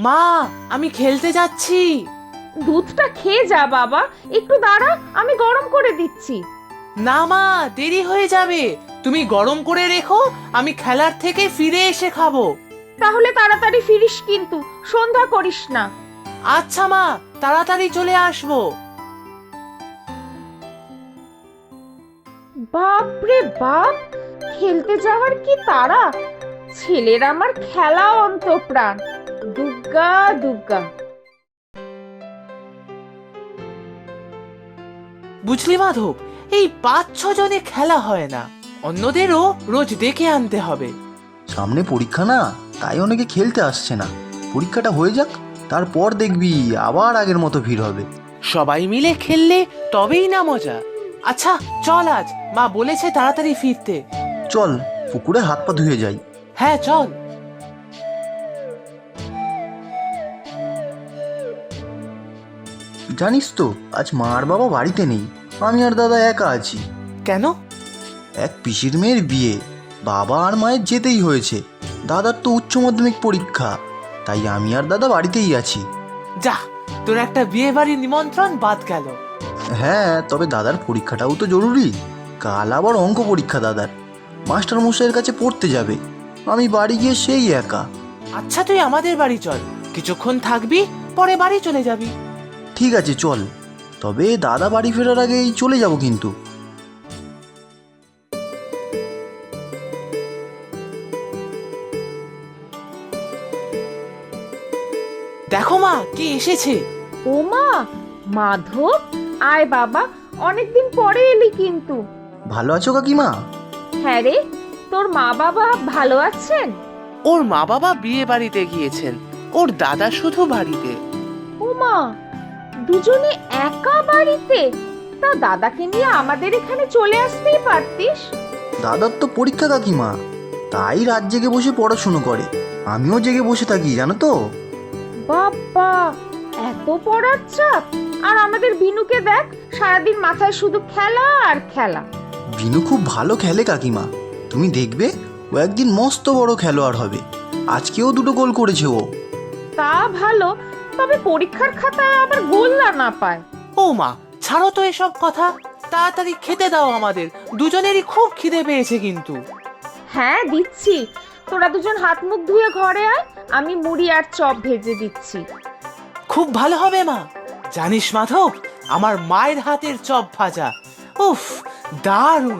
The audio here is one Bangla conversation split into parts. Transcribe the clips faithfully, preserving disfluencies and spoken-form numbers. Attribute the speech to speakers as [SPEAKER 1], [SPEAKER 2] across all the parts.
[SPEAKER 1] মা, আমি খেলতে যাচ্ছি।
[SPEAKER 2] দুধটা খেয়ে যা বাবা, একটু দাঁড়া, আমি গরম করে দিচ্ছি।
[SPEAKER 1] না মা, দেরি হয়ে যাবে। তুমি গরম করে রেখো, আমি খেলার থেকে ফিরে এসে খাবো।
[SPEAKER 2] তাহলে তাড়াতাড়ি ফিরিস কিন্তু, সন্ধ্যা করিস না।
[SPEAKER 1] আচ্ছা মা, তাড়াতাড়ি চলে আসবো।
[SPEAKER 2] বাপ রে বাপ, খেলতে যাওয়ার কি তাড়া! ছেলের আমার খেলা অন্তঃপ্রাণ। দুগ্গা দুগ্গা।
[SPEAKER 1] বুঝলি মাধব, এই পাঁচ ছ জনে খেলা হয় না, অন্যদেরও রোজ ডেকে আনতে হবে।
[SPEAKER 3] সামনে পরীক্ষা না, তাই অনেকে খেলতে আসছে না। পরীক্ষাটা হয়ে যাক, তারপর দেখবি আবার আগের মতো ভিড় হবে।
[SPEAKER 1] সবাই মিলে খেললে তবেই না মজা। আচ্ছা চল, আজ মা বলেছে তাড়াতাড়ি ফিরতে।
[SPEAKER 3] চল পুকুরে হাত পা ধুয়ে যাই।
[SPEAKER 1] হ্যাঁ চল।
[SPEAKER 3] জানিস তো, আজ মা আর বাবা বাড়িতে নেই, আমি আর দাদা একা আছি।
[SPEAKER 1] কেন?
[SPEAKER 3] এক পিসির মেয়ের বিয়ে, বাবা আর মায়ের যেতেই হয়েছে। দাদার তো উচ্চ মাধ্যমিক পরীক্ষা, তাই আমি আর দাদা বাড়িতেই আছি।
[SPEAKER 1] যা, তোর একটা বিয়ে বাড়ির নিমন্ত্রণ বাদ গেল।
[SPEAKER 3] হ্যাঁ, তবে দাদার পরীক্ষাটাও তো জরুরি। কাল আবার অঙ্ক পরীক্ষা দাদার, মাস্টার মশাইয়ের কাছে পড়তে যাবে। আমি বাড়ি গিয়ে সেই একা।
[SPEAKER 1] আচ্ছা তুই আমাদের বাড়ি চল, কিছুক্ষণ থাকবি, পরে বাড়ি চলে যাবি।
[SPEAKER 3] ঠিক আছে চল, তবে দাদা বাড়ি ফেরার আগেই চলে যাব কিন্তু।
[SPEAKER 1] দেখো মা, কে এসেছে।
[SPEAKER 2] ও মা, মাধব, আয় বাবা, অনেকদিন পরে এলি কিন্তু।
[SPEAKER 3] ভালো আছো কাকিমা?
[SPEAKER 2] হ্যাঁ রে, তোর মা বাবা ভালো আছেন?
[SPEAKER 1] ওর মা বাবা বিয়ে বাড়িতে গিয়েছেন, ওর দাদা শুধু বাড়িতে।
[SPEAKER 2] ও মা, দুজনে একা বাড়িতে? তা দাদাকে নিয়ে আমাদের এখানে চলে আসতেই পারতিস।
[SPEAKER 3] দাদার তো পরীক্ষা কাকিমা, তাই রাত জেগে বসে পড়াশুনো করে। আমিও জেগে বসে থাকি জানো তো।
[SPEAKER 2] বাবা, এত পড়ার চাপ! আর আমাদের বিনুকে দেখ, সারাদিন মাথায় শুধু খেলা আর খেলা।
[SPEAKER 3] বিনু খুব ভালো খেলে কাকিমা, তুমি দেখবে ও একদিন মস্ত বড় খেলোয়াড় হবে। আজকেও দুটো গোল করেছে ও।
[SPEAKER 2] তা ভালো, তবে পরীক্ষার খাতায় আবার গোল্লা না পায়।
[SPEAKER 1] ও মা, ছাড়ো তো এসব কথা, তাড়াতাড়ি খেতে দাও, আমাদের দুজনেরই খুব খিদে পেয়েছে কিন্তু।
[SPEAKER 2] হ্যাঁ দিচ্ছি, তোরা দুজন হাত মুখ ধুয়ে ঘরে আয়, আমি মুড়ি আর চপ ভেজে দিচ্ছি।
[SPEAKER 1] খুব ভালো হবে মা। জানিস মাধব, আমার মায়ের হাতের চপ ভাজা, উফ, দারুণ।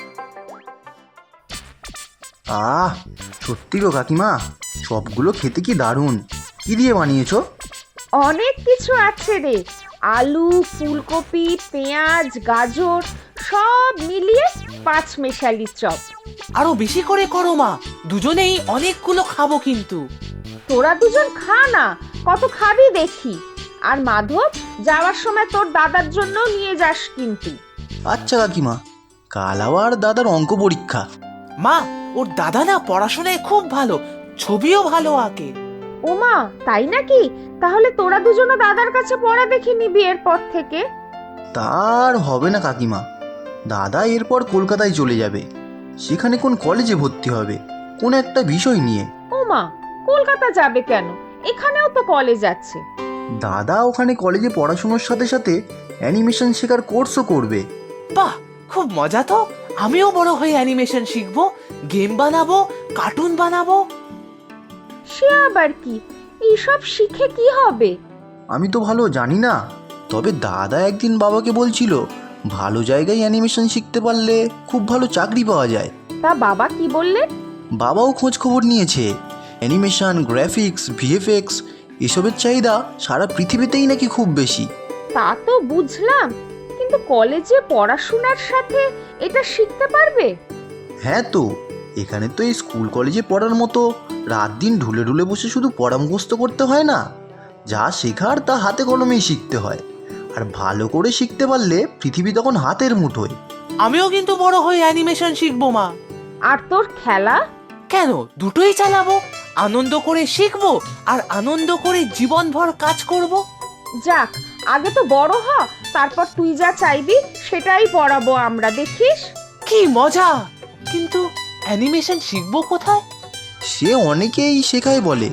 [SPEAKER 3] আহ, সত্যি গো কাকিমা, সবগুলো খেতে কি দারুণ। কি দিয়ে বানিয়েছো?
[SPEAKER 2] অনেক কিছু আছে রে, আলু, ফুলকপি, পেঁয়াজ, গাজর সব মিলিয়ে পাঁচ মেশালি চপ।
[SPEAKER 1] আরো বেশি করে করো মা, দুজনেই অনেকগুলো খাবো কিন্তু।
[SPEAKER 2] তোরা দুজন খা না, কত খাবি দেখি। আর মাধব, যাওয়ার সময় তোর দাদার জন্য নিয়ে যাস কিন্তু।
[SPEAKER 3] আচ্ছা কাকিমা, কাল আবার দাদার অঙ্ক পরীক্ষা।
[SPEAKER 1] মা, ওর দাদা না পড়াশোনায় খুব ভালো, ছবিও ভালো আঁকে।
[SPEAKER 2] ওমা, তাই নাকি? তাহলে তোরা দুজনও দাদার কাছে পড়া দেখে নিবি এরপর থেকে।
[SPEAKER 3] তার হবে না কাকিমা, দাদা এরপর কলকাতায় চলে যাবে। সেখানে কোন কলেজে ভর্তি হবে, কোন একটা বিষয় নিয়ে।
[SPEAKER 2] ওমা, কলকাতা যাবে কেন? এখানেও তো কলেজ আছে।
[SPEAKER 3] দাদা ওখানে কলেজে পড়াশোনার সাথে সাথে অ্যানিমেশন শেখার কোর্সও করবে।
[SPEAKER 1] বাহ, খুব মজা তো। আমিও বড় হয়ে অ্যানিমেশন শিখবো, গেম বানাবো, কার্টুন বানাবো।
[SPEAKER 2] সে আবার কি? এইসব শিখে কি হবে?
[SPEAKER 3] আমি তো ভালো জানি না, তবে দাদা একদিন বাবাকে বলছিল ভালো জায়গায় অ্যানিমেশন শিখতে পারলে খুব ভালো চাকরি পাওয়া যায়।
[SPEAKER 2] তা বাবা কি বললেন?
[SPEAKER 3] বাবাও খোঁজ খবর নিয়েছে। অ্যানিমেশন, গ্রাফিক্স, ভিএফএক্স এসবের চাহিদা সারা পৃথিবীতেই নাকি খুব বেশি।
[SPEAKER 2] তা তো বুঝলাম, কিন্তু কলেজে পড়াশোনার সাথে এটা শিখতে পারবে?
[SPEAKER 3] হ্যাঁ তো, এখানে তো এই স্কুল কলেজে পড়ার মতো রাত দিন ঢুলে ঢুলে বসে শুধু পড়া মুখস্থ করতে হয় না। যা শেখার তা হাতে কলমেই শিখতে হয়। আর ভালো করে শিখতে পারলে পৃথিবী তখন হাতের মুঠোয়।
[SPEAKER 1] আমিও কিন্তু বড় হয়ে অ্যানিমেশন শিখবো মা।
[SPEAKER 2] আর তোর খেলা?
[SPEAKER 1] কেন, দুটোই চালাবো। আনন্দ করে শিখবো আর আনন্দ করে জীবনভর কাজ করব।
[SPEAKER 2] যাক, আগে তো বড় হ, তারপর তুই যা চাইবি সেটাই পড়াবো আমরা, দেখিস।
[SPEAKER 1] কি মজা! কিন্তু অ্যানিমেশন শিখবো কোথায়?
[SPEAKER 3] সে অনেকেই শেখায় বলে,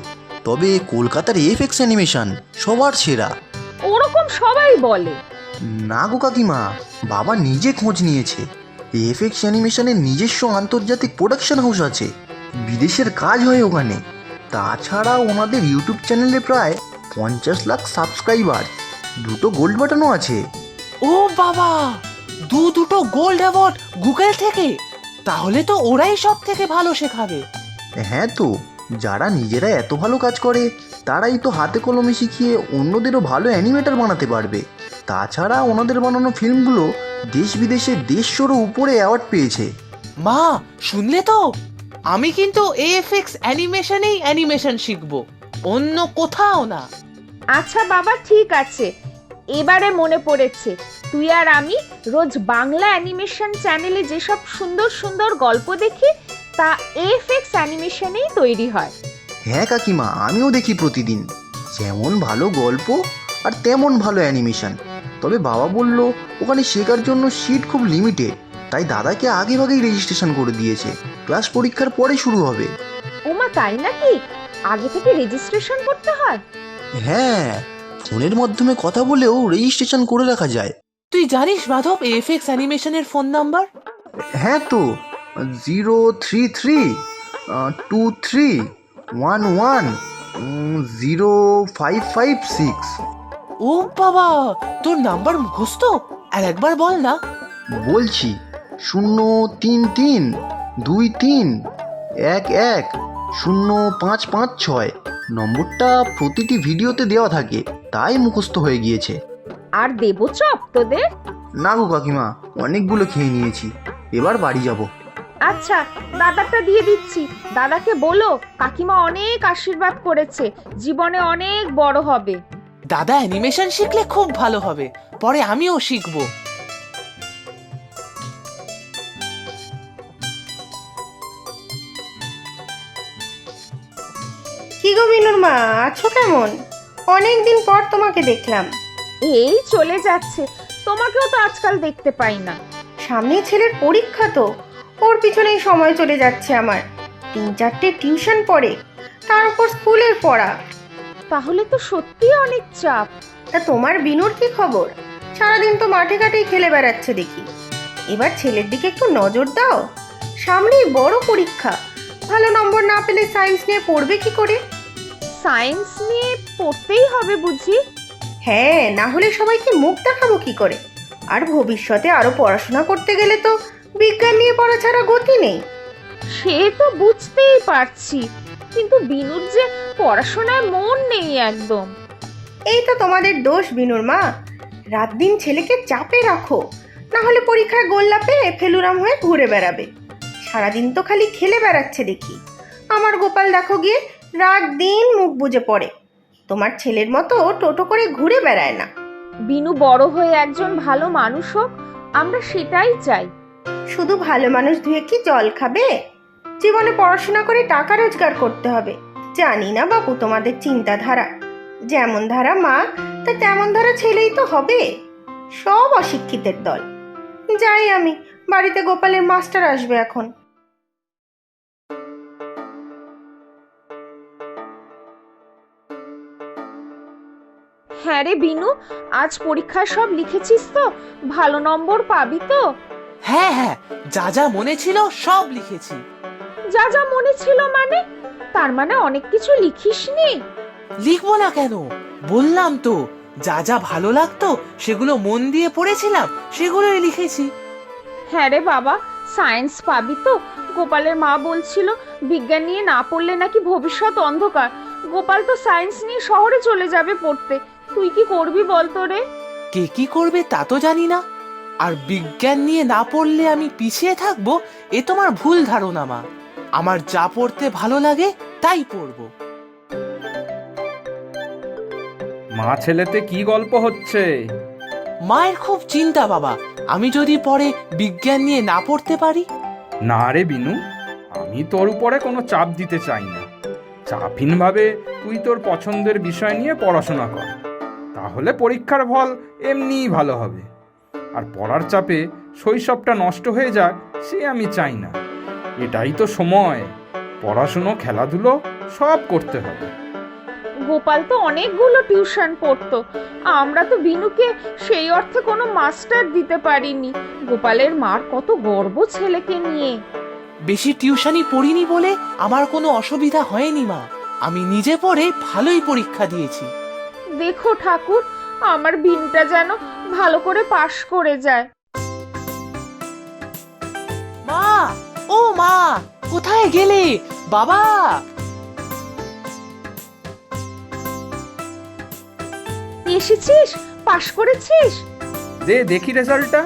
[SPEAKER 3] তবে কলকাতার এফএক্স অ্যানিমেশন সবার সেরা।
[SPEAKER 2] ওরকম সবাই বলে।
[SPEAKER 3] না গো কাকিমা, বাবা নিজে খোঁজ নিয়েছে। এফএক্স অ্যানিমেশনের নিজস্ব আন্তর্জাতিক প্রোডাকশন হাউস আছে, বিদেশের কাজ হয় ওখানে। তাছাড়া ওনাদের ইউটিউব চ্যানেলে প্রায় পঞ্চাশ লাখ সাবস্ক্রাইবার, দুটো গোল্ড বাটনও আছে।
[SPEAKER 1] ও বাবা, দু দুটো গোল্ড অ্যাওয়ার্ড গুগল থেকে! তাহলে তো ওরাই সব থেকে ভালো শেখাবে।
[SPEAKER 3] হ্যাঁ তো, যারা নিজেরা এত ভালো কাজ করে তারাই তো হাতে কলমে শিখিয়ে অন্যদেরও ভালো অ্যানিমেটর বানাতে পারবে। তাছাড়া ওনাদের বানানো ফিল্মগুলো দেশ বিদেশে দেড়শোরও উপরে অ্যাওয়ার্ড পেয়েছে।
[SPEAKER 1] মা, শুনলে তো? আমি কিন্তু এএফএক্স অ্যানিমেশনেই অ্যানিমেশন শিখবো, অন্য কোথাও না।
[SPEAKER 2] আচ্ছা বাবা, ঠিক আছে, এবারে মনে পড়েছে, তুই আর আমি রোজ বাংলা অ্যানিমেশন চ্যানেলে যেসব সুন্দর সুন্দর গল্প দেখি তা এফএক্স অ্যানিমেশনেই তৈরি হয়।
[SPEAKER 3] হ্যাঁ কাকিমা, আমিও দেখি প্রতিদিন। যেমন ভালো গল্প আর তেমন ভালো অ্যানিমেশন। তবে বাবা বলল ওখানে শেখার জন্য সিট খুব লিমিটেড, তাই দাদাকে আগে ভাগেই রেজিস্ট্রেশন করে দিয়েছে। ক্লাস পরীক্ষার পরে শুরু হবে।
[SPEAKER 2] ওমা, তাই নাকি? আগে থেকে রেজিস্ট্রেশন করতে হয়?
[SPEAKER 3] হ্যাঁ, ফোনের মাধ্যমে কথা বলেও রেজিস্ট্রেশন করে রাখা যায়।
[SPEAKER 1] তুই জানিস মাধব এএফএক্স অ্যানিমেশনের ফোন নাম্বার?
[SPEAKER 3] হ্যাঁ তো, zero three three two three one one zero five five six.
[SPEAKER 1] ও বাবা, তোর নাম্বার মুখস্থ? আর একবার বল না।
[SPEAKER 3] বলছি, শূন্য তিন তিন দুই তিন এক এক শূন্য পাঁচ পাঁচ ছয়। নম্বরটা প্রতিটি ভিডিওতে দেওয়া থাকে, তাই মুখস্থ হয়ে গিয়েছে।
[SPEAKER 2] আর দেবো চপ তোদের?
[SPEAKER 3] না গো কাকিমা, অনেকগুলো খেয়ে নিয়েছি, এবার বাড়ি যাব।
[SPEAKER 2] আচ্ছা, দাদাটা দিয়ে দিচ্ছি। দাদাকে বলো কাকিমা অনেক আশীর্বাদ করেছে, জীবনে অনেক বড় হবে।
[SPEAKER 1] দাদা অ্যানিমেশন শিখলে খুব ভালো হবে, পরে আমিও শিখবো।
[SPEAKER 4] কি গো বিনুর মা, আছো কেমন? অনেক দিন পর তোমাকে দেখলাম।
[SPEAKER 2] এই চলে যাচ্ছে, তোমাকেও তো আজকাল দেখতে পাই না।
[SPEAKER 4] সামনে ছেলের পরীক্ষা, তো ওর পিছনেই সময় চলে যাচ্ছে আমার। তিন চারটে টিউশন পড়ে, তার উপর স্কুলের পড়া।
[SPEAKER 2] তাহলে তো সত্যি অনেক চাপ।
[SPEAKER 4] তা তোমার বিনুর কি খবর? সারাদিন তো মাঠে ঘাটেই খেলে বেড়াচ্ছে দেখি। এবার ছেলের দিকে একটু নজর দাও, সামনেই বড় পরীক্ষা। ভালো নম্বর না পেলে সায়েন্স নিয়ে পড়বে কি করে?
[SPEAKER 2] সায়েন্স নিয়ে পড়তেই হবে বুঝি?
[SPEAKER 4] হ্যাঁ, না হলে সবাইকে মুখ দেখাবো কি করে? আর ভবিষ্যতে আরো পড়াশোনা করতে গেলে তো বিজ্ঞান নিয়ে পড়া ছাড়া গতি নেই।
[SPEAKER 2] সে তো বুঝতেই পারছি, কিন্তু বিনুর যে পড়াশোনায় মন নেই একদম।
[SPEAKER 4] এই তো তোমাদের দোষ বিনুর মা, রাত দিন ছেলেকে চাপে রাখো, না হলে পরীক্ষায় গোল্লা পেয়ে ফেলুরাম হয়ে ঘুরে বেড়াবে। সারাদিন তো খালি খেলে বেড়াচ্ছে দেখি। আমার গোপাল দেখো গিয়ে রাত দিন মুখ বুজে পড়ে, তোমার ছেলের মতো টোটো করে ঘুরে বেড়ায় না।
[SPEAKER 2] বিনু বড় হয়ে একজন ভালো মানুষ হোক, আমরা সেটাই চাই।
[SPEAKER 4] শুধু ভালো মানুষ ধুয়ে কি জল খাবে? জীবনে পড়াশোনা করে টাকা রোজগার করতে হবে। জানি না বাবু তোমাদের চিন্তাধারা, যেমন ধারা মা তা তেমন ধারা ছেলেই তো হবে। সব অশিক্ষিতের দল। যাই আমি, বাড়িতে গোপালের মাস্টার আসবে এখন।
[SPEAKER 2] হ্যাঁ রে বিনু, আজ পরীক্ষায় সব লিখেছিস তো? ভালো নম্বর পাবি তো?
[SPEAKER 1] হ্যাঁ হ্যাঁ, যা যা মনে ছিল সব লিখেছি।
[SPEAKER 2] যা যা মনে ছিল মানে? তার মানে অনেক কিছু লিখিসনি?
[SPEAKER 1] লিখবো না কেন? বললাম তো, যা যা ভালো লাগতো সেগুলো মন দিয়ে পড়েছিলাম, সেগুলোই লিখেছি।
[SPEAKER 2] হ্যাঁ রে বাবা, সায়েন্স পাবি তো? গোপালের মা বলছিল বিজ্ঞান নিয়ে না পড়লে নাকি ভবিষ্যৎ অন্ধকার। গোপাল তো সায়েন্স নিয়ে শহরে চলে যাবে পড়তে, তুই কি করবি বলতো রে?
[SPEAKER 1] কে কি করবে তা তো জানি না, আর বিজ্ঞান নিয়ে না পড়লে আমি পিছিয়ে থাকবো এ তোমার ভুল ধারণা মা। আমার যা পড়তে ভালো লাগে তাই পড়বো।
[SPEAKER 5] মা ছেলেতে কি গল্প হচ্ছে?
[SPEAKER 1] মায়ের খুব চিন্তা বাবা, আমি যদি পরে বিজ্ঞান নিয়ে না পড়তে পারি।
[SPEAKER 5] না রে বিনু, আমি তোর উপরে কোনো চাপ দিতে চাই না। চাপহীনভাবে তুই তোর পছন্দের বিষয় নিয়ে পড়াশোনা কর, তাহলে পরীক্ষার ফল এমনিই ভালো হবে। আর পড়ার চাপে শৈশবটা নষ্ট হয়ে যাক সে আমি চাই না। এটাই তো সময়, পড়াশুনো খেলাধুলো সব করতে হবে।
[SPEAKER 2] গোপাল তো অনেকগুলো টিউশন পড়তো, আমরা তো বিনুকে সেই অর্থে কোনো মাস্টার দিতে পারিনি। গোপালের মার কত গর্ব ছেলেকে নিয়ে।
[SPEAKER 1] বেশি টিউশনই পড়িনি বলে আমার কোনো অসুবিধা হয়নি মা। আমি নিজে পড়ে ভালোই পরীক্ষা দিয়েছি।
[SPEAKER 2] দেখো ঠাকুর, আমার বিনটা যেন ভালো করে পাশ করে যায়।
[SPEAKER 1] মা, ও মা, কোথায় গেলে? বাবা!
[SPEAKER 2] এসেছিস? পাশ করেছিস?
[SPEAKER 5] দে দেখি রেজাল্টটা।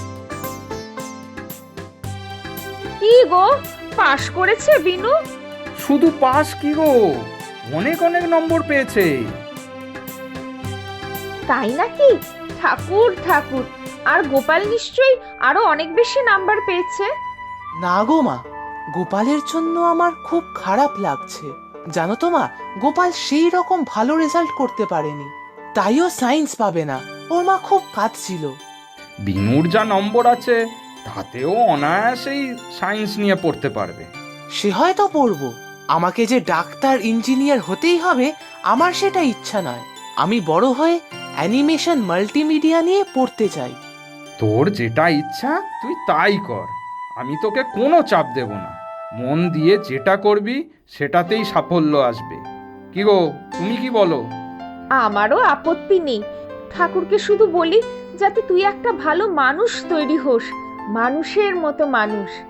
[SPEAKER 2] কি গো, পাশ করেছে বিনু?
[SPEAKER 5] শুধু পাস কি গো, অনেক অনেক নম্বর পেয়েছে।
[SPEAKER 2] তাই নাকি? ঠাকুর ঠাকুর, আর গোপাল নিশ্চয়ই আরো অনেক বেশি নাম্বার পেয়েছে।
[SPEAKER 1] না গো মা, গোপালের জন্য আমার খুব খারাপ লাগছে। জানো তো মা, গোপাল সেই রকম ভালো রেজাল্ট করতে পারেনি, তাইও সায়েন্স পাবে না। ওর মা খুব কাঁদছিল।
[SPEAKER 5] বিনুর যা নম্বর আছে তাতেও অনায়াসেই সায়েন্স নিয়ে পড়তে পারবে।
[SPEAKER 1] সে হয়তো পড়বো, আমাকে যে ডাক্তার ইঞ্জিনিয়ার হতেই হবে আমার সেটা ইচ্ছা নয়। আমি বড় হয়ে অ্যানিমেশন মাল্টিমিডিয়া নিয়ে পড়তে চাই।
[SPEAKER 5] তোর যেটা ইচ্ছা তুই তাই কর, আমি তোকে কোনো চাপ দেব না। মন দিয়ে যেটা করবি সেটাতেই সাফল্য আসবে। কি গো, তুমি কি বলো?
[SPEAKER 2] আমারও আপত্তি নেই। ঠাকুরকে শুধু বলি যাতে তুই একটা ভালো মানুষ তৈরি হোস, মানুষের মতো মানুষ।